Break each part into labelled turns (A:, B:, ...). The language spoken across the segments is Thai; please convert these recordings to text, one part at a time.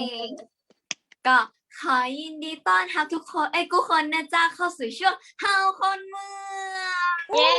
A: ก็ขอยินดีต้อนรับทุกคนทุกคนนะจ๊ะเข้าสู่ช่วงเฮาคนเมือง
B: เย้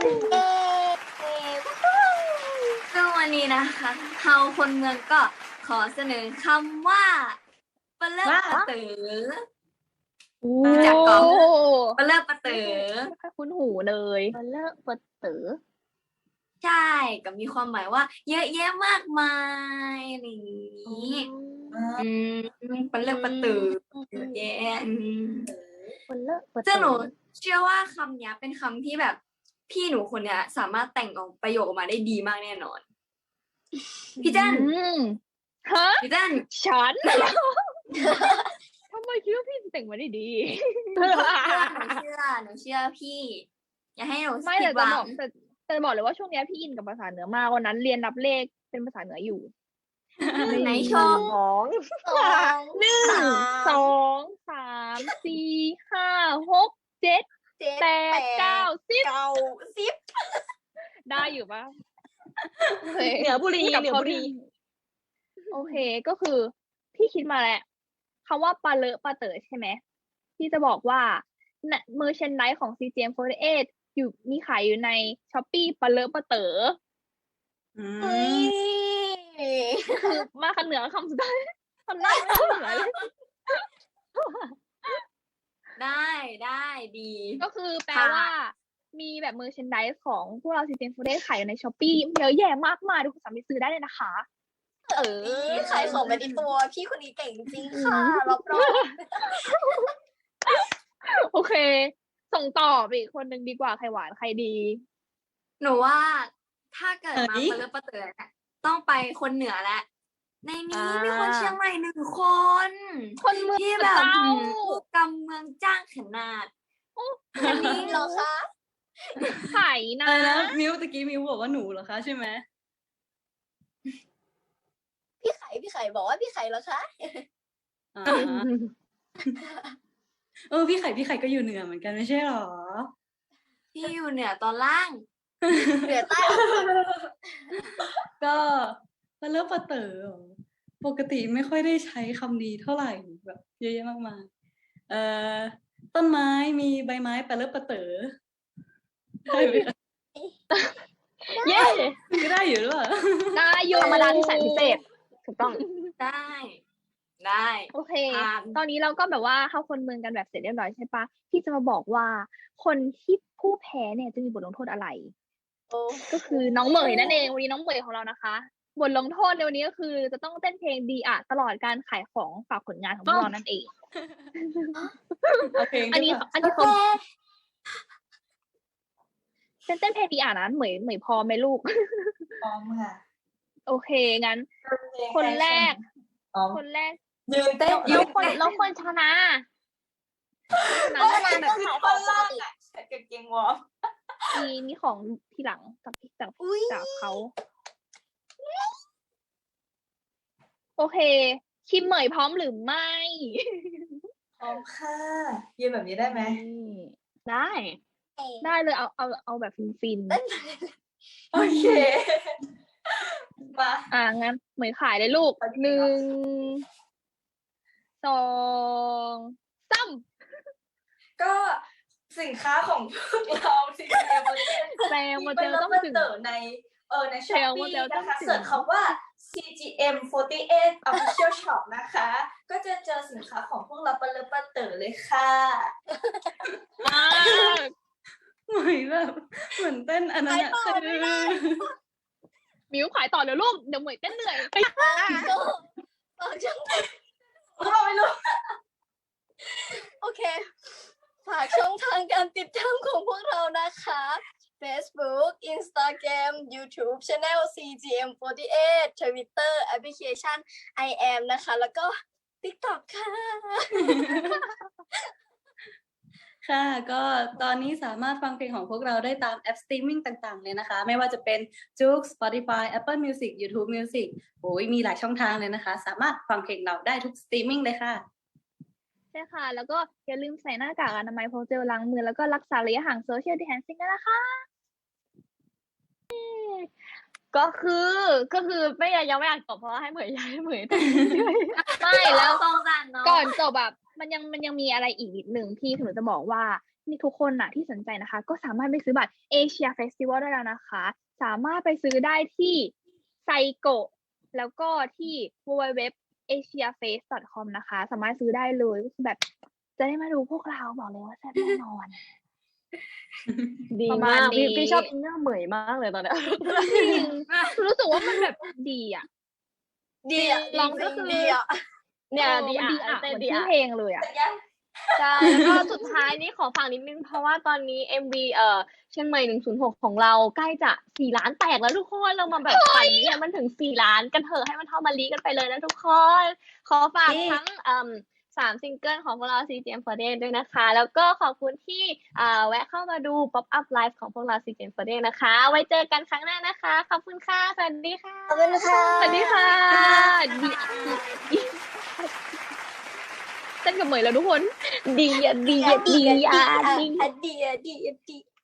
A: ซึ่งวันนี้นะคะเฮาคนเมืองก็ขอเสนอคำว่าปะเลิกปะเต๋อรู้จักก่อนปะเลิกปะเต๋อ
B: ไม่ค่อยคุ้นหูเลยปะเลิกปะเต๋อ
A: ใช่ก็มีความหมายว่าเยอะแยะมากมายอะไรอย่างนี้ปะเลิกปะเต๋อเยอะแยะ
B: ปะเลิกปะเต๋อ
A: ซึ่งหนูเชื่อว่าคำนี้เป็นคำที่แบบพี่หนูคนเนี้ยสามารถแต่งออกประโยคออกมาได้ดีมากแน่นอนพี่เจน
B: ฮะ
A: พี่เจน
B: ฉันทำไมคิดว่าพี่แต่งมาได้ดี
A: หนูเชื่อพี่อย่าให้หนู
B: ไม่แต่จะบอกเลยว่าช่วงนี้พี่อินกับภาษาเหนือมากวันนั้นเรียนนับเลขเป็นภาษาเหนืออยู่
A: ไหนโชว์
B: 1 2 3 4 5 6 7 8 9 10ได้อยู่ปะ
C: เหนือบุรี
B: โอเคก็คือพี่คิดมาแล้วคำว่าปาเลอะปาเต๋อใช่ไหมพี่จะบอกว่าเมอร์แชนไดส์ของ CGM48 อยู่มีขายอยู่ใน Shopee ปาเลอะปาเต๋อคือมาคำเหนือคำสุดท้ายคำหน้าไม่เหนือเลย
A: ได้ดี
B: ก็คือแปลว่ามีแบบเมอร์แชนไดส์ของพวกเรา CGM48 ขายอยู่ใน Shopee เยอะแยะมากมายทุกคนสามารถซื้อได้เลยนะคะ
C: ขายของไปในตัวพี่คนนี้เก่งจริงค่ะรับรอง
B: โอเคส่งต่อไปอีกคนนึงดีกว่าใครหวานใครดี
A: หนูว่าถ้าเกิดมาปะเลิกปะเต๋อต้องไปคนเหนือแหละในนี้มีคนเชียงใหม่1 คน
B: เมือง
A: ที่แบบกำเมืองจ้างขนาด
C: อันนี้เหรอคะ
B: ไข่นะ
D: มิวตะกี้มิวบอกว่าหนูเหรอคะใช่ไหม
C: พี่ไข่บอกว่าพี่ไข่เหรอคะ
D: พี่ไข่ก็อยู่เหนือเหมือนกันไม่ใช่หรอ
A: พี่อยู่เหนือตอนล่าง
C: เหนือใต้
D: ก็ปะเลิกปะเต๋อปกติไม่ค่อยได้ใช้คำนี้เท่าไหร่แบบเยอะแยะมากมายต้นไม้มีใบไม้ปะเลิกปะเต๋อได้ไหมคะ
B: เย้
D: ก็ได้อยู่หรือเปล่า
B: ได้อยู่ธรรมดาที่แสนพิเศษถูกต้อง
A: ได้
B: โอเคตอนนี้เราก็แบบว่าเข้าคนเมืองกันแบบเสร็จเรียบร้อยใช่ปะที่จะมาบอกว่าคนที่ผู้แพ้เนี่ยจะมีบทลงโทษอะไรก็คือน้องเหมยนั่นเองวันนี้น้องเหมยของเรานะคะบทลงโทษในวันนี้ก็คือจะต้องเต้นเพลงดีอะตลอดการขายของฝากผลงานของพวกเรานั่นเองอันนี้คนเต้นเพลงดีอะนะเหมยพอไหมลูก
C: พร้อมค่ะ
B: โอเคงั้นคนแรก
C: ยืนเต้น
B: แล้วคนชนะ
C: แบบคือคนล่างอ่ะเก่งๆวอร์ม
B: มีของทีหลังจากเขาโอเคคิมเหมยพร้อมหรือไม่
C: พร้อมค่ะยืนแบบนี้ได้ไหม
B: ได้เลยเอาแบบฟิน
C: โอเค
B: มางั้นเหมยขายเลยลูก1 2 3
C: ก็สินค้าของพวกเรา
B: แซลโมเดลต้องถึง
C: ในShopee นะคะเสิร์ชคำว่า CGM48 Official Shop นะคะก็จะเจอสินค้าของพวกเราปะเลิกปะเต๋อเลยค่ะ
D: เหมือนแบบเหมือนเต้นอันนั้นอะ
B: มิวขายต่อเดี๋ยวลูกเดี๋ยวเหมยเต้นเหนื่อยไป
C: เราไม่รู้โอเคฝากช่องทางการติดตามของพวกเรานะคะ Facebook Instagram YouTube Channel CGM48 Twitter Application I am นะคะแล้วก็ TikTok ค่ะ
D: ค่ะก็ตอนนี้สามารถฟังเพลงของพวกเราได้ตามแอปสตรีมมิ่งต่างๆเลยนะคะไม่ว่าจะเป็น JOOX Spotify Apple Music YouTube Music มีหลายช่องทางเลยนะคะสามารถฟังเพลงเราได้ทุกสตรีมมิ่งเลยค่ะ
B: ใช่ค่ะแล้วก็อย่าลืมใส่หน้ากากอนามัยพกเจลล้างมือแล้วก็รักษาระยะห่าง Social Distancing ด้วยนะคะ
E: ก็คือไม่ยังไม่อยากตอบเพราะว่าให้เหมย
B: ไม่แล้ว
A: สงสารเนาะ
B: ก่อนจบแบบมันยังมีอะไรอีกนิดหนึ่งที่หนูจะบอกว่านี่ทุกคนน่ะที่สนใจนะคะ ก็สามารถไปซื้อบัตรเอเชียเฟสติวัลได้แล้วนะคะ สามารถไปซื้อได้ที่ไซโกะแล้วก็ที่ www.asiaface.com นะคะ สามารถซื้อได้เลยก็คือแบบจะได้มาดูพวกเราบอกเลยว่าแซ่บแน่นอน
E: ดี
B: ประมา
E: มา
B: ณ
E: ก
B: นี้
E: พี่ชอบอินเนอร์เหมยมากเลยตอนเนี้ย
B: จริงรู้สึกว่ามันแบบดีอ่ะ
C: ดีอ่ะ
B: ลองก็คือ
C: ดีอ่ะ
E: เนี่ยดี
B: มัน
E: อ่ะ
B: ดีอ่ะ
E: เต้
B: เหมือน
E: นดี
B: ชื่อ
E: อ่ะ
B: เพลงเลยอ่ะ
E: ใช่แล้วก็สุดท้ายนี้ขอฝากนิดนึงเพราะว่าตอนนี้ MV เชียงใหม่106ของเราใกล้จะ4 ล้านแตกแล้วทุกคนเรามาแบบปั่นเนี่ยมันถึง4 ล้านกันเถอะให้มันเท่ามาลีกันไปเลยนะทุกคนขอฝากทั้ง3 ซิงเกิลของพวกเรา CGM48 ด้วยนะคะ แล้วก็ขอบคุณที่แวะเข้ามาดู Pop Up Live ของพวกเรา CGM48 นะคะ ไว้เจอกันครั้งหน้านะคะขอบคุณค่ะสวัสดีค่ะ
C: ขอบคุณค่ะ
B: สวัสดีค่ะเต้นกับเหมยแล้วทุกคน
E: ดีอ่ะ
C: ดีอ่ะดี